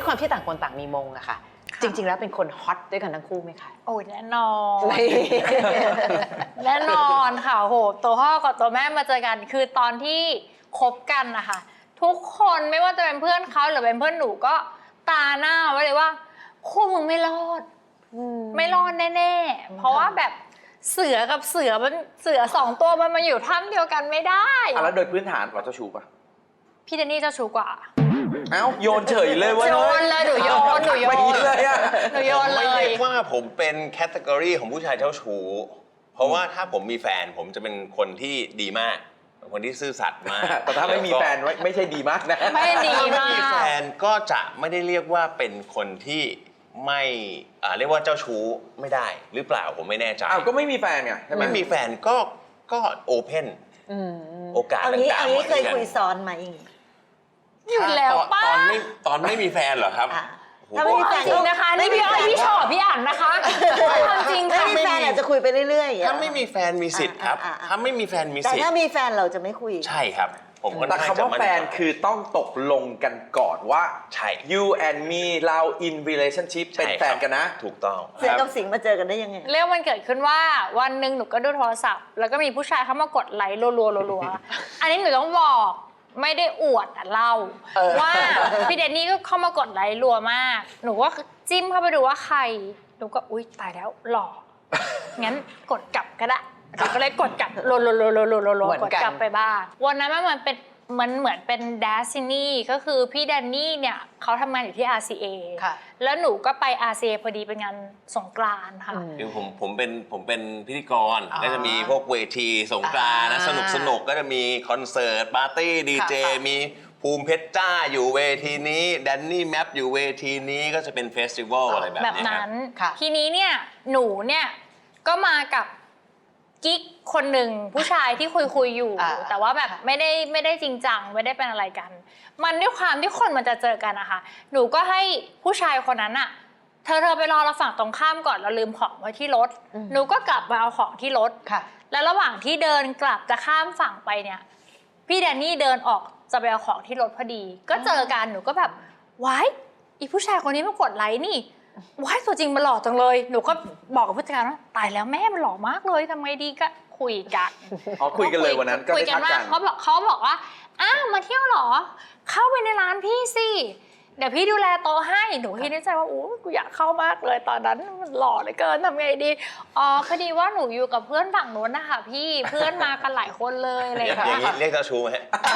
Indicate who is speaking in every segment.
Speaker 1: ความที่ต่างคนต่างมีมงอะค่ะจริงๆแล้วเป็นคนฮอตด้วยกันทั้งคู่ไหมคะ
Speaker 2: โอ้ยแน่นอนแน่นอนค่ะโหตัวพ่อกับตัวแม่มาเจอกันคือตอนที่คบกันนะคะทุกคนไม่ว่าจะเป็นเพื่อนเขาหรือเป็นเพื่อนหนูก็ตาหน้าไว้เลยว่าคู่มึงไม่รอดไม่รอดแน่ๆเพราะว่าแบบเสือกับเสือมันเสือ2 ตัวมันมาอยู่ถ้ำเดียวกันไม่ได้
Speaker 3: แล้วโดยพื้นฐานเราเจ้าชู้ปะ
Speaker 2: พี่เดนนี่เจ้าชู้กว่า
Speaker 3: เอ้าโยนเฉยเลยว่า
Speaker 2: โยนเลยหนูโยนเลยหนูโยนเลย
Speaker 4: ไม่เรียกว่าผมเป็นแคตตากรีของผู้ชายเจ้าชู้เพราะว่าถ้าผมมีแฟนผมจะเป็นคนที่ดีมากคนที่ซื่อสัตย์มาก
Speaker 3: แต่ถ้าไม่มีแฟนไม่ใช่ดีมากนะ
Speaker 2: ไม่ดีมาก
Speaker 4: ถ้าไม่มีแฟนก็จะไม่ได้เรียกว่าเป็นคนที่ไม่เรียกว่าเจ้าชู้ไม่ได้หรือเปล่าผมไม่แน่ใจ
Speaker 3: ก็ไม่มีแฟนไงใช่ไหม
Speaker 4: ไม่มีแฟนก็โอเพนโอกาสต่างๆ
Speaker 5: อันนี้เคยคุยซ้อนไหม
Speaker 2: อยู่แล้วป้า
Speaker 4: ตอนไม่มีแฟนเหรอครับ
Speaker 5: ถ้าไม่มีแฟน
Speaker 2: จริงนะคะนี่พี่อ้อยพี่ชอบพี่อ่านนะคะความจริง
Speaker 5: ถ้าไม่มีแฟนอาจจะคุยไปเรื่อย
Speaker 4: ๆถ้าไม่มีแฟนมีสิทธิ์ครับถ้าไม่มีแฟนมีสิทธิ์
Speaker 5: แต่ถ้ามีแฟนเราจะไม่คุย
Speaker 4: ใช่ครับผม
Speaker 3: แต่คำว่าแฟนคือต้องตกลงกันก่อนว่า
Speaker 4: ใช่
Speaker 3: you and me เรา in relationship เป็นแฟนกันนะ
Speaker 4: ถูกต้อง
Speaker 5: เสือกับสิงห์มาเจอกันได้ยังไง
Speaker 2: เรื่องมันเกิดขึ้นว่าวันหนึ่งหนูก็ดูโทรศัพท์แล้วก็มีผู้ชายเข้ามากดไลค์รัวๆอันนี้หนูต้องบอกไม่ได้อวดเล่าว่าพี่เดนนี่ก็เข้ามากดไลค์รัวมากหนูก็จิ้มเข้าไปดูว่าใครหนูก็อุ๊ยตายแล้วหล่องั้นกดกลับก็ได้หนูก็เลยกดกลับรัวๆกดกลับไปบ้างวันนั้นมันเหมือนเป็น Destiny ก็คือพี่แดนนี่เนี่ยเขาทำงานอยู่ที่ RCA แล้วหนูก็ไป RCA พอดีเป็นงานสงกรานต์ค่ะ
Speaker 4: คือผมเป็นพิธีกรก็จะมีพวกเวทีสงกรานต์นะสนุกก็จะมีคอนเสิร์ตปาร์ตี้ดีเจมีภูมิเพชรจ้าอยู่เวทีนี้แดนนี่แมปอยู่เวทีนี้ก็จะเป็นเฟสติวัลอะไรแบบ
Speaker 2: นั้นทีนี้เนี่ยหนูเนี่ยก็มากับกิ๊กคนหนึ่งผู้ชายที่คุยอยู่แต่ว่าแบบไม่ได้จริงจังไม่ได้เป็นอะไรกันมันด้วยความที่คนมันจะเจอกันนะคะหนูก็ให้ผู้ชายคนนั้นอะเธอไปรอเราฝั่งตรงข้ามก่อนเราลืมของไว้ที่รถหนูก็กลับมาเอาของที่รถแล้วระหว่างที่เดินกลับจะข้ามฝั่งไปเนี่ยพี่แดนนี่เดินออกจะไปเอาของที่รถพอดีก็เจอกันหนูก็แบบว้ายอีผู้ชายคนนี้มากดไลค์นี่ว้ายตัวจริงมันหล่อจังเลยหนูก็บอกกับผู้จัดการว่าตายแล้วแม่มันหล่อมากเลยทำไงดีก็คุยกัน
Speaker 3: คุยกันเลยวันนั้นก็ได้ทักกัน
Speaker 2: เขาบอกว่ามาเที่ยวหรอเข้าไปในร้านพี่สิเดี๋ยวพี่ดูแลโต๊ะให้หนูคิดในใจว่ากูอยากเข้ามากเลยตอนนั้นมันหล่อเหลือเกินทำไงดีพอดีว่าหนูอยู่กับเพื่อนฝั่งโน้นนะคะพี่เพื่อนมากันหลายคนเลยอะไรอย่างเงี้
Speaker 4: ยเรียกเจ้าชู้ไหม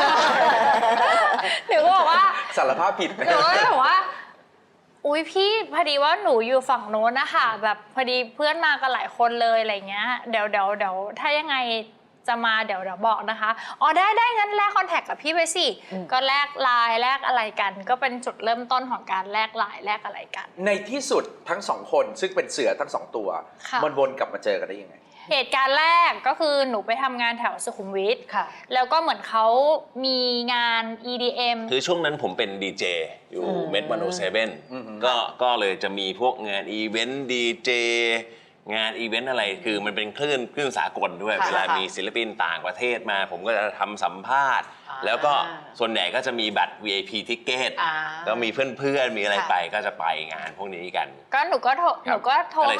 Speaker 2: หนูก็บอกว่า
Speaker 3: สารภาพผิด
Speaker 2: หนูก็บอกว่าอุ๊ยพี่พอดีว่าหนูอยู่ฝั่งโน้นนะคะแบบพอดีเพื่อนมากันหลายคนเลยอะไรเงี้ยเดี๋ยวถ้ายังไงจะมาเดี๋ยวบอกนะคะได้งั้นแลกคอนแทคกับพี่ไปสิก็แลกไลน์แลกอะไรกันก็เป็นจุดเริ่มต้นของการแลกไลน์แลกอะไรกัน
Speaker 3: ในที่สุดทั้ง2คนซึ่งเป็นเสือทั้ง2ตัวมันวนกลับมาเจอกันได้ยังไง
Speaker 2: เหตุการณ์แรกก็คือหนูไปทำงานแถวสุขุมวิทแล้วก็เหมือนเขามีงาน EDM
Speaker 4: คือช่วงนั้นผมเป็นดีเจอยู่เมด107ก็เลยจะมีพวกงานอีเวนต์ดีเจงานอีเวนต์อะไรคือมันเป็นคลื่นสากลด้วยเวลามีศิลปินต่างประเทศมาผมก็จะทำสัมภาษณ์แล้วก็ส่วนใหญ่ก็จะมีบัตร VIP ทิกเก็ตก็มีเพื่อนมีอะไรไปก็จะไปงานพวกนี้กัน
Speaker 2: ก็หนูก็โทรหาหนูก็โทร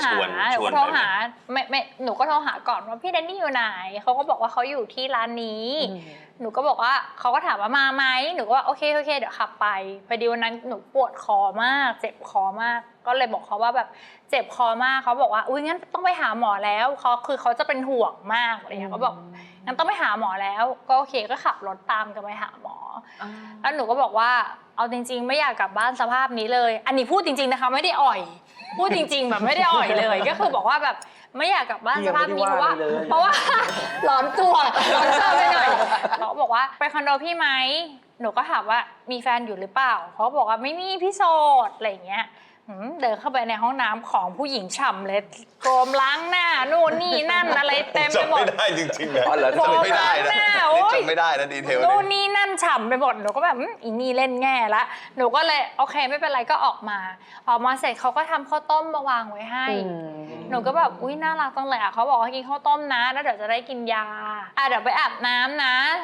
Speaker 2: หาก่อนว่าพี่แดนนี่อยู่ไหนเขาก็บอกว่าเขาอยู่ที่ร้านนี้หนูก็บอกว่าเขาก็ถามว่ามาไหมหนูก็ว่าโอเคเดี๋ยวขับไปพอดีวันนั้นหนูปวดคอมากเจ็บคอมากก็เลยบอกเขาว่าแบบเจ็บคอมากเขาบอกว่าอุ้ยงั้นต้องไปหาหมอแล้วเขาจะเป็นห่วงมากอะไรอย่างเงี้ยเขาบอกงั้นต้องไปหาหมอแล้วก็โอเคก็ขับรถตามกันไปหาหมอแล้วหนูก็บอกว่าเอาจริงๆไม่อยากกลับบ้านสภาพนี้เลยอันนี้พูดจริงๆนะคะไม่ได้อ่อยพูดจริงๆแบบไม่ได้อ่อยเลยก็คือบอกว่าแบบไม่อยากกลับบ้านสภาพนี้เพราะว่าร้อนตัวไปหน่อยเขาบอกว่าไปคอนโดพี่ไหมหนูก็ถามว่ามีแฟนอยู่หรือเปล่าเขาบอกว่าไม่มีพี่โสดอะไรอย่างเงี้ยเดินเข้าไปในห้องน้ำของผู้หญิงฉ่ำเลยโกมล้างหน้านู่นนี่นั่นอะไรเต็มไปหมด
Speaker 4: จำไม่ได้จริงๆนะจำไม่ได้นะจำไม่ได้นะดีเทล
Speaker 2: นู่นนี่นั่นฉ่ำไปหมดหนูก็แบบอีนี่เล่นแง่ละหนูก็เลยโอเคไม่เป็นไรก็ออกมาเสร็จเขาก็ทำข้าวต้มมาวางไว้ให้หนูก็แบบอุ้ยน่ารักจังเลยเขาบอกว่ากินข้าวต้มนะแล้วเดี๋ยวจะได้กินยาเดี๋ยวไปอาบน้ำนะ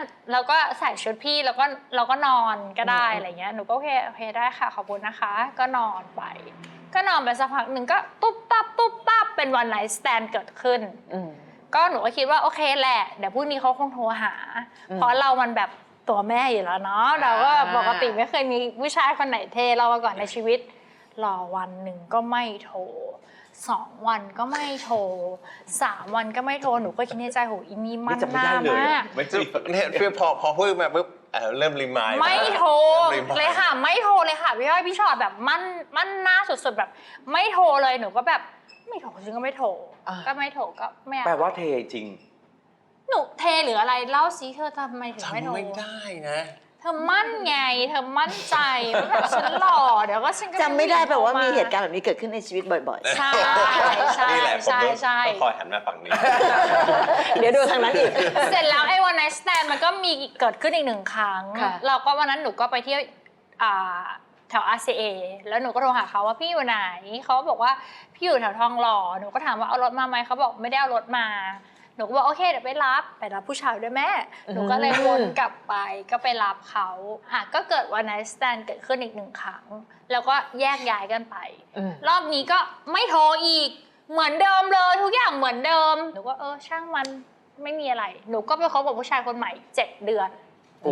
Speaker 2: แล้วก็ใส่ชุดพี่แล้วก็นอนก็ได้อะไรเงี้ยหนูก็โอเคได้ค่ะขอบคุณนะคะก็นอนไปสักพักหนึ่งก็ตุ๊บตับเป็นวันไนท์สแตนเกิดขึ้นก็หนูก็คิดว่าโอเคแหละเดี๋ยวพรุ่งนี้เขาคงโทรหาเพราะเรามันแบบตัวแม่อยู่แล้วเนาะเราก็ปกติไม่เคยมีผู้ชายคนไหนเทเรามาก่อนในชีวิตรอวันหนึ่งก็ไม่โทร2 วันก็ไม่โทร3 วันก็ไม่โทรหนูก็คิดในใจโหอีนี่มันหน้ามาก
Speaker 4: ไม่จะเนี่ยพอพูดมาปุ๊บเริ่มรีมายด์
Speaker 2: ไม่โทรเลยค่ะไม่โทรเลยค่ะพี่อ้อยพี่ชอตแบบมั่นหน้าสุดๆแบบไม่โทรเลยหนูก็แบบไม่โทรจริงก็ไม่โทรก็ไม่โทรก็ไม่
Speaker 3: แปลว่าเทจริง
Speaker 2: หนูเทหรืออะไรเล่าสิเธอทำไมถึงไม่โทร
Speaker 4: จำไม่ได้นะ
Speaker 2: เธอมั่นไงเธอมั่นใจว่าแบบฉันหล่อเดี๋ยวก็ฉันก็
Speaker 5: จำไม่ได้แปลว่ามีเหตุการณ์แบบนี้เกิดขึ้นในชีวิตบ่อย
Speaker 2: ใช่ใช่
Speaker 4: นี่แหละผม
Speaker 2: ใช่
Speaker 4: ต้องคอยหันมาฝั่งนี้
Speaker 5: ๆ เดี๋ยวดูทางนั้นอีก
Speaker 2: เสร็จแล้วไอ้วันไนท์สแตนมันก็มีเกิดขึ้นอีก1 ครั้ง
Speaker 1: ค่ะ
Speaker 2: เราก็วันนั้นหนูก็ไปเที่ยวแถว RCA แล้วหนูก็โทรหาเขาว่าพี่อยู่ไหนเขาบอกว่าพี่อยู่แถวทองหล่อหนูก็ถามว่าเอารถมาไหมเขาบอกไม่ได้เอารถมาหนูก็บอกโอเคเดี๋ยวไปรับผู้ชายด้วยแม่หนูก็เลยวนกลับไปก็ไปรับเขาก็เกิดวันไนท์สแตนเกิดขึ้นอีก1 ครั้งแล้วก็แยกย้ายกันไปรอบนี้ก็ไม่โทรอีกเหมือนเดิมเลยทุกอย่างเหมือนเดิมหนูก็ช่างมันไม่มีอะไรหนูก็ไปคบกับผู้ชายคนใหม่7 เดือน
Speaker 3: โอ้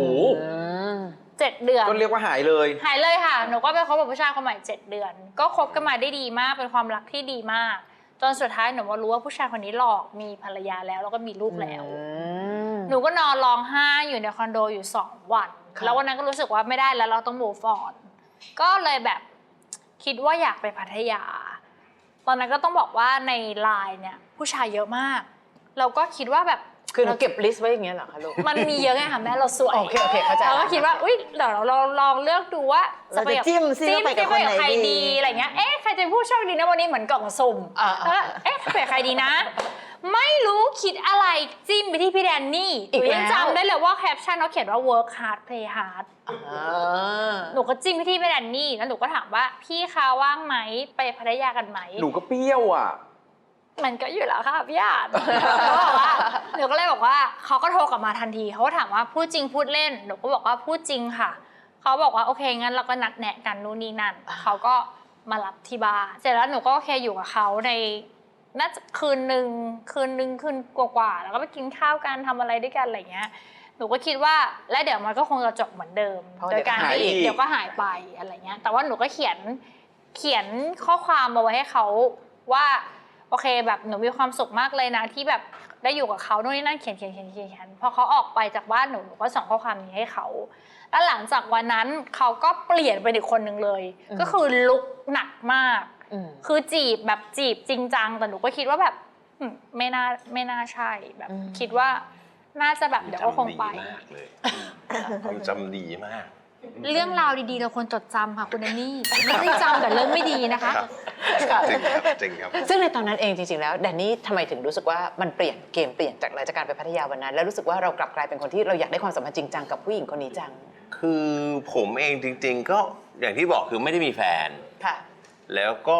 Speaker 2: 7 เดือน
Speaker 3: ก็เรียกว่าหายเลย
Speaker 2: หายเลยค่ะหนูก็ไปคบกับผู้ชายคนใหม่7 เดือนก็คบกันมาได้ดีมากเป็นความรักที่ดีมากจนสุดท้ายหนูมารู้ว่าผู้ชายคนนี้หลอกมีภรรยาแล้วก็มีลูกแล้วหนูก็นอนร้องไห้อยู่ในคอนโดอยู่2 วันแล้ววันนั้นก็รู้สึกว่าไม่ได้แล้วเราต้อง move on ก็เลยแบบคิดว่าอยากไปพัทยาตอนนั้นก็ต้องบอกว่าในไลน์เนี่ยผู้ชายเยอะมากเราก็คิดว่าแบบ
Speaker 1: คือเราเก็บลิสต์ไว้อย่างเงี้ยเหรอคะลูก
Speaker 2: มันมีเยอะไงค่ะแม่เราสวย
Speaker 1: โอเคเข้าใจ
Speaker 2: เราก็คิดว่าอุ๊ยเดี๋ยวเราลองเลือกดูว่า
Speaker 5: เราจะจิ้มซิว่าไปกับคนไหน
Speaker 2: ใคร
Speaker 5: ดี
Speaker 2: ดีอะไรเงี้ยใครจะเป็นผู้โชคดีนะวันนี้เหมือนกล่องสุ่มแล้วไปกับใครดีนะ ไม่รู้คิดอะไรจิ้มไปที่พี่แดนนี่หนูยังจำได้เลยว่าแคปชั่นเขาเขียนว่า work hard play hard หนูก็จิ้มไปที่พี่แดนนี่แล้วหนูก็ถามว่าพี่คะว่างไหมไปพัทยากันไหม
Speaker 3: หนูก็เปรี้ยวอ่ะ
Speaker 2: มันก็อยู่แล้วค่ะพี่อาจเขาบอกว่าหนูก็เลยบอกว่าเขาก็โทรกลับมาทันทีเขาก็ถามว่าพูดจริงพูดเล่นหนูก็บอกว่าพูดจริงค่ะเขาบอกว่าโอเคงั้นเราก็นัดแนะกันนู่นนี่นั่นเขาก็มารับที่บ้านเสร็จแล้วหนูก็โอเคอยู่กับเขาในน่าจะคืนหนึ่งกว่าๆแล้วก็ไปกินข้าวกันทำอะไรด้วยกันอะไรเงี้ยหนูก็คิดว่าและเดี๋ยวมันก็คงจะจบเหมือนเดิมโดยการที่เดี๋ยวก็หายไปอะไรเงี้ยแต่ว่าหนูก็เขียนข้อความมาไว้ให้เขาว่าโอเคแบบหนูมีความสุขมากเลยนะที่แบบได้อยู่กับเขาโน่นนี่นั่นเขียนพอเขาออกไปจากบ้านหนูก็ส่งข้อความนี้ให้เขาแล้วหลังจากวันนั้นเขาก็เปลี่ยนไปอีกคนหนึ่งเลยก็คือลุกหนักมากคือจีบจริงจังแต่หนูก็คิดว่าแบบไม่น่าใช่แบบคิดว่าน่าจะแบบเดี๋ยวก็คงไป
Speaker 4: ความจำดีมาก
Speaker 2: เรื่องราวดีๆเราควรจดจำค่ะคุณแดนนี่ไม่ได้จำแต่เรื่องไม่ดีนะคะ
Speaker 4: จริงครับ
Speaker 1: ซึ่งในตอนนั้นเองจริงๆแล้วแดนนี่ทำไมถึงรู้สึกว่ามันเปลี่ยนเกมเปลี่ยนจากหลังจากการไปพัทยาวันนั้นแล้วรู้สึกว่าเรากลับกลายเป็นคนที่เราอยากได้ความสัมพันธ์จริงจังกับผู้หญิงคนนี้จัง
Speaker 4: คือผมเองจริงๆก็อย่างที่บอกคือไม่ได้มีแฟน
Speaker 1: ค่ะ
Speaker 4: แล้วก็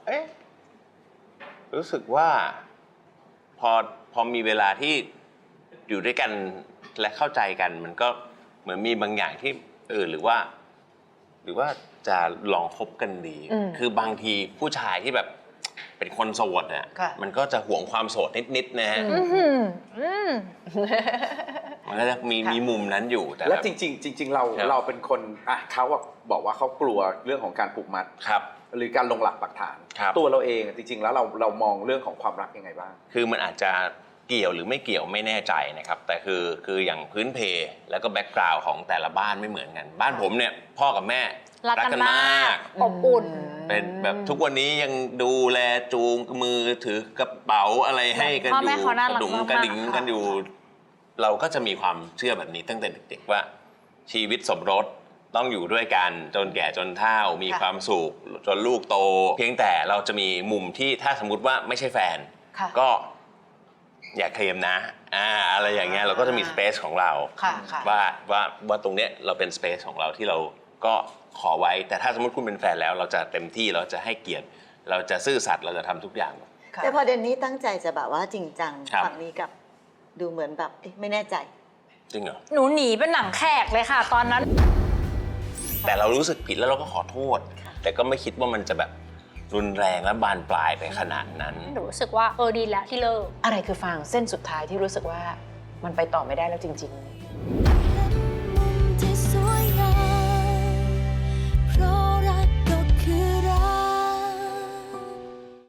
Speaker 4: รู้สึกว่าพอมีเวลาที่อยู่ด้วยกันและเข้าใจกันมันก็เหมือนมีบางอย่างที่หรือว่าจะลองคบกันดี คือบางทีผู้ชายที่แบบเป็นคนโสดอ่ะมันก็จะห่วงความโสดนิดๆนะฮะมันก็จะมีมุมนั้นอยู่แต่
Speaker 3: และจริงเราเป็นคนเขาบอกว่าเขากลัวเรื่องของการผูกมัด
Speaker 4: ครับ
Speaker 3: หรือการลงหลักปักฐาน ตัวเราเองจริงๆแล้วเรามองเรื่องของความรักยังไงบ้าง
Speaker 4: คือมันอาจจะเกี่ยวหรือไม่เกี่ยวไม่แน่ใจนะครับแต่คืออย่างพื้นเพแล้วก็แบ็กกราวด์ของแต่ละบ้านไม่เหมือนกันบ้านผมเนี่ยพ่อกับแม่รักกันมาก
Speaker 2: อบอุ่น
Speaker 4: เป็นแบบทุกวันนี้ยังดูแลจูงมือถือกระเป๋าอะไรให้กันอยู่กระดุมกระดิ่งกันอยู่เราก็จะมีความเชื่อแบบนี้ตั้งแต่เด็กๆว่าชีวิตสมรสต้องอยู่ด้วยกันจนแก่จนเฒ่ามีความสุขจนลูกโตเพียงแต่เราจะมีมุมที่ถ้าสมมุติว่าไม่ใช่แฟนก็อย่าเคลมนะอะไรอย่างเงี้ยเราก็จะมีสเปซของเราว่าตรงเนี้ยเราเป็นสเปซของเราที่เราก็ขอไว้แต่ถ้าสมมติคุณเป็นแฟนแล้วเราจะเต็มที่เราจะให้เกียรติเราจะซื่อสัตย์เราจะทำทุกอย่าง
Speaker 5: แต่พอเดนนี่ตั้งใจจะแบบว่าจริงจังฝั่งนี้กับดูเหมือนแบบไม่แน่ใจ
Speaker 4: จริงเหรอ
Speaker 2: หนูหนีเป็นหนังแขกเลยค่ะ ตอนนั้น
Speaker 4: แต่เรารู้สึกผิดแล้วเราก็ขอโทษ แต่ก็ไม่คิดว่ามันจะแบบรุนแรงและบานปลายไปขนาดนั้น
Speaker 2: หนูรู้สึกว่าดีแล้วที่เลิก
Speaker 1: อะไรคือฟางเส้นสุดท้ายที่รู้สึกว่ามันไปต่อไม่ได้แล้วจริง ๆ